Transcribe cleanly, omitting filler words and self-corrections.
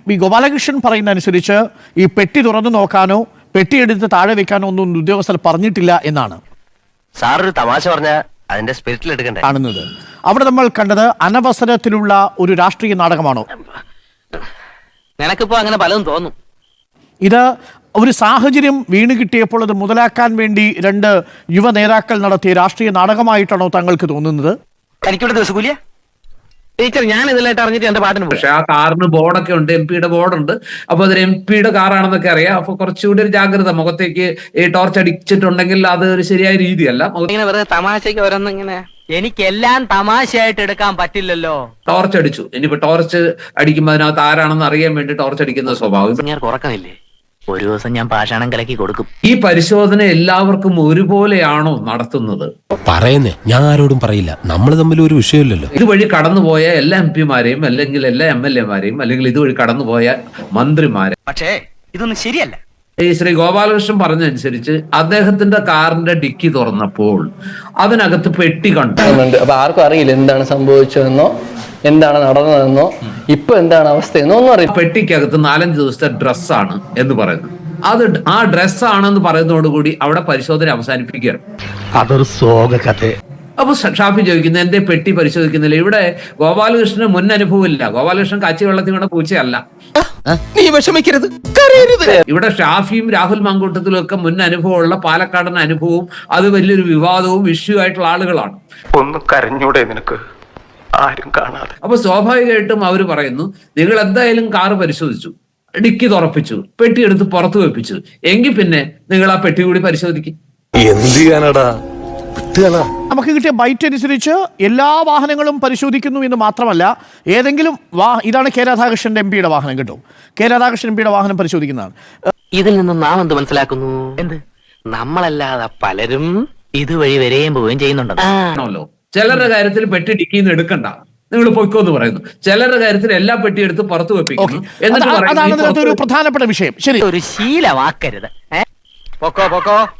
ഈ ഗോപാലകൃഷ്ണൻ പറയുന്ന അനുസരിച്ച് ഈ പെട്ടി തുറന്നു നോക്കാനോ പെട്ടിയെടുത്ത് താഴെ വെക്കാനോ ഒന്നും ഉദ്യോഗസ്ഥർ പറഞ്ഞിട്ടില്ല എന്നാണ് സാറൊരു തമാശ പറഞ്ഞ അതിന്റെ സ്പിരിറ്റിൽ എടുക്കണ്ടേ കാണുന്നത്. അവിടെ നമ്മൾ കണ്ടത് അനവസരത്തിലുള്ള ഒരു രാഷ്ട്രീയ നാടകമാണോ? നിനക്കിപ്പോ അങ്ങനെ പലതും തോന്നും. ഇത് ഒരു സാഹചര്യം വീണ് കിട്ടിയപ്പോൾ അത് മുതലാക്കാൻ വേണ്ടി രണ്ട് യുവ നേതാക്കൾ നടത്തിയ രാഷ്ട്രീയ നാടകമായിട്ടാണോ താങ്കൾക്ക് തോന്നുന്നത്? എനിക്കിവിടെ ദിവസകൂലിയ ടീച്ചർ, ഞാൻ ഇതിലായിട്ട് അറിഞ്ഞിട്ട് എന്റെ പാട്ടിന് പോയി. പക്ഷെ ആ കാറിന് ബോർഡൊക്കെ ഉണ്ട്, MP-യുടെ ബോർഡുണ്ട്. അപ്പൊ അതൊരു MP-യുടെ കാറാണെന്നൊക്കെ അറിയാം. അപ്പൊ കുറച്ചുകൂടി ഒരു ജാഗ്രത, മുഖത്തേക്ക് ഈ ടോർച്ച് അടിച്ചിട്ടുണ്ടെങ്കിൽ അത് ഒരു ശരിയായ രീതിയല്ല. ഇങ്ങനെ വെറുതെ തമാശക്ക് ഓരോന്നും ഇങ്ങനെ, എനിക്കെല്ലാം തമാശയായിട്ട് എടുക്കാൻ പറ്റില്ലല്ലോ. ടോർച്ച് അടിച്ചു, ഇനിയിപ്പോ ടോർച്ച് അടിക്കുമ്പോൾ അതിനകത്ത് ആരാണെന്ന് അറിയാൻ വേണ്ടി ടോർച്ച് അടിക്കുന്ന സ്വഭാവം. ഞാൻ ഉറക്കമില്ലേ, ഒരു ദിവസം ഞാൻ പാഷാണം കലക്കി കൊടുക്കും. ഈ പരിശോധന എല്ലാവർക്കും ഒരുപോലെയാണോ നടത്തുന്നത്? പറയുന്നേ, ഞാൻ ആരോടും പറയില്ല, നമ്മൾ തമ്മിൽ ഒരു വിഷയമില്ലല്ലോ. ഇതുവഴി കടന്നുപോയ എല്ലാ MP-മാരെയും അല്ലെങ്കിൽ എല്ലാ MLA-മാരെയും അല്ലെങ്കിൽ ഇതുവഴി കടന്നുപോയ മന്ത്രിമാരെ, പക്ഷേ ഇതൊന്നും ശരിയല്ല. ഈ ശ്രീ ഗോപാലകൃഷ്ണൻ പറഞ്ഞനുസരിച്ച് അദ്ദേഹത്തിന്റെ കാറിന്റെ ഡിക്കി തുറന്നപ്പോൾ അതിനകത്ത് പെട്ടി കണ്ടു. അപ്പൊ ആർക്കും അറിയില്ല എന്താണ് സംഭവിച്ചതെന്നോ എന്താണ് നടന്നതെന്നോ ഇപ്പൊ എന്താണ് അവസ്ഥയെന്നോ ഒന്നും അറിയില്ല. പെട്ടിക്കകത്ത് 4-5 ദിവസത്തെ ഡ്രസ്സാണ് എന്ന് പറയുന്നത്. അത് ആ ഡ്രസ്സാണെന്ന് പറയുന്നതോടുകൂടി അവിടെ പരിശോധന അവസാനിപ്പിക്കുകയാണ്. അതൊരു സോക കഥ. അപ്പൊ ഷാഫി ചോദിക്കുന്നത് എന്റെ പെട്ടി പരിശോധിക്കുന്നില്ല. ഇവിടെ ഗോപാലകൃഷ്ണന് മുൻ അനുഭവമില്ല. ഗോപാലകൃഷ്ണൻ കാച്ചി വെള്ളത്തിൽ വീണ പൂച്ചയല്ല. നീ വിഷമിക്കരുത്. ഇവിടെ ഷാഫിയും രാഹുൽ മാങ്കൂട്ടത്തിലും ഒക്കെ മുൻ അനുഭവമുള്ള പാലക്കാടൻ അനുഭവവും അത് വലിയൊരു വിവാദവും ഇഷ്യൂ ആയിട്ടുള്ള ആളുകളാണ്. ഒന്ന് കരഞ്ഞൂടെ നിനക്ക്, ആരും കാണാതെ? അപ്പൊ സ്വാഭാവികമായിട്ടും അവർ പറയുന്നു, നിങ്ങൾ എന്തായാലും കാറ് പരിശോധിച്ചു, ഡിക്കി തുറപ്പിച്ചു, പെട്ടി എടുത്ത് പുറത്തു വെപ്പിച്ചു, എങ്കിൽ പിന്നെ നിങ്ങൾ ആ പെട്ടി കൂടി പരിശോധിക്കും. എന്ത് ചെയ്യാനടാ? നമുക്ക് കിട്ടിയ ബൈറ്റ് അനുസരിച്ച് എല്ലാ വാഹനങ്ങളും പരിശോധിക്കുന്നു എന്ന് മാത്രമല്ല, ഏതെങ്കിലും ഇതാണ് കെ രാധാകൃഷ്ണന്റെ MP-യുടെ വാഹനം കേട്ടോ, കെ രാധാകൃഷ്ണൻ MP-യുടെ വാഹനം പരിശോധിക്കുന്നതാണ്. ഇതിൽ നിന്ന് നാം എന്ത് മനസ്സിലാക്കുന്നു? എന്ത്? നമ്മളല്ലാതെ പലരും ഇതുവഴി വരെയും പോവുകയും ചെയ്യുന്നുണ്ടല്ലോ. ചിലരുടെ കാര്യത്തിൽ പെട്ടി ഡിക്കിന്ന് എടുക്കണ്ട, നിങ്ങൾ പൊയ്ക്കോന്ന് പറയുന്നു. ചിലരുടെ കാര്യത്തിൽ എല്ലാ പെട്ടി എടുത്ത് പുറത്തു വെപ്പിക്കുന്നു. അതാണ് ഒരു പ്രധാനപ്പെട്ട വിഷയം. ശരി, ഒരു ശീലമാക്കരുത്. പൊക്കോ പൊക്കോ.